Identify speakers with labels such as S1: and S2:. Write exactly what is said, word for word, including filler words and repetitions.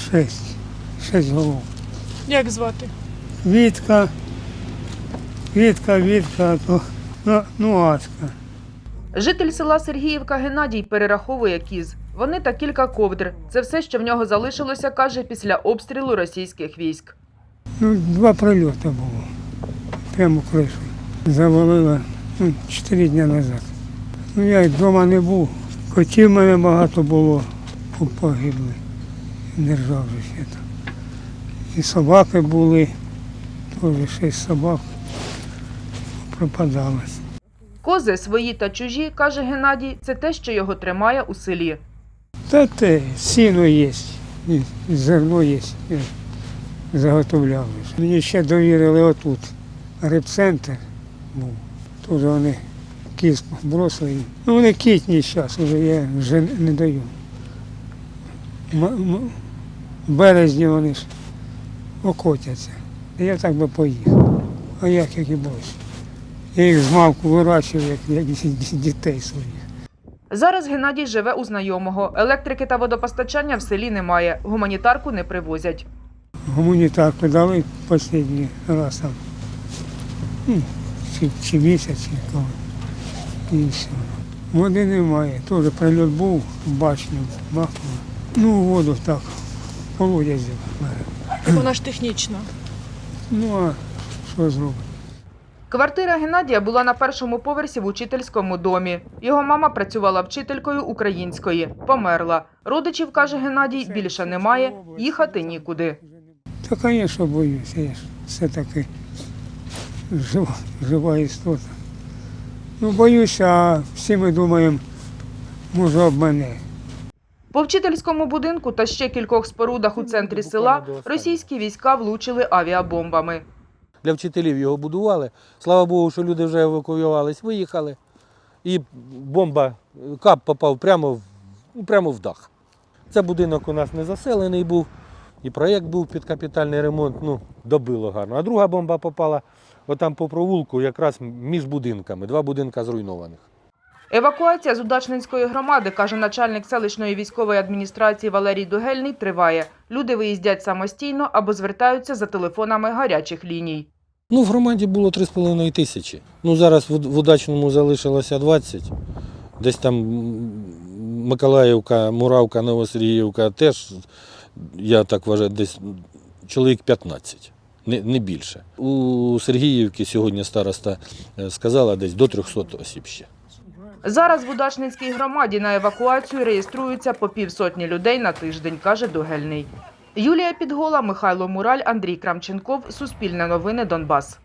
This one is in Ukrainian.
S1: Шесть. Шесть голов.
S2: Як звати?
S1: Вітка, Вітка, Вітка, то, ну, ну Аська.
S3: Житель села Сергіївка Геннадій перераховує кіз. Вони та кілька ковдр. Це все, що в нього залишилося, каже, після обстрілу російських військ.
S1: Ну, два прильоти було. Прямо в кришу. Завалило ну, чотири дні назад. Ну, я й вдома не був. Котів в мене багато було, погибли. Держав же ще там. І собаки були, теж шість собак пропадали.
S3: Кози свої та чужі, каже Геннадій, це те, що його тримає у селі.
S1: Та те, сіно є, і зерно є, і заготовляли. Мені ще довірили отут. Репцентр був. Тут вони кіз бросили. Ну вони кітні зараз, вже я вже не даю. М- м- В березні вони ж окотяться. Я так би поїхав. А як, як і більше. Я їх з малку вирощував, як, як дітей своїх.
S3: Зараз Геннадій живе у знайомого. Електрики та водопостачання в селі немає. Гуманітарку не привозять.
S1: Гуманітарку дали останній раз там. Ну, чи, чи місяць, чи коли. І все. Води немає. Теж прильот був, башню бахнуло. Ну, воду так, колодязь.
S2: Вона ж технічна.
S1: Ну, а що зробити?
S3: Квартира Геннадія була на першому поверсі в учительському домі. Його мама працювала вчителькою української. Померла. Родичів, каже Геннадій, більше немає, їхати нікуди.
S1: Та, звісно, боюся. Я ж все-таки жива, жива істота. Ну, боюся, а всі ми думаємо, може, об мене.
S3: По вчительському будинку та ще кількох спорудах у центрі села російські війська влучили авіабомбами.
S4: Для вчителів його будували. Слава Богу, що люди вже евакуювались, виїхали. І бомба, кап попав прямо в, прямо в дах. Це будинок у нас не заселений був, і проєкт був під капітальний ремонт, ну, добило гарно. А друга бомба попала отам по провулку, якраз між будинками, два будинка зруйнованих.
S3: Евакуація з Удачненської громади, каже начальник селищної військової адміністрації Валерій Дугельний, триває. Люди виїздять самостійно або звертаються за телефонами гарячих ліній.
S4: Ну, в громаді було три з половиною тисячі. Ну, зараз в, в Удачному залишилося двадцять. Десь там Миколаївка, Муравка, Новосергіївка теж, я так вважаю, десь чоловік п'ятнадцять, не, не більше. У Сергіївці сьогодні староста сказала, десь до трьохсот осіб ще.
S3: Зараз в Удачненській громаді на евакуацію реєструються по півсотні людей на тиждень, каже Дугельний. Юлія Підгола, Михайло Мураль, Андрій Крамченков. Суспільне новини, Донбас.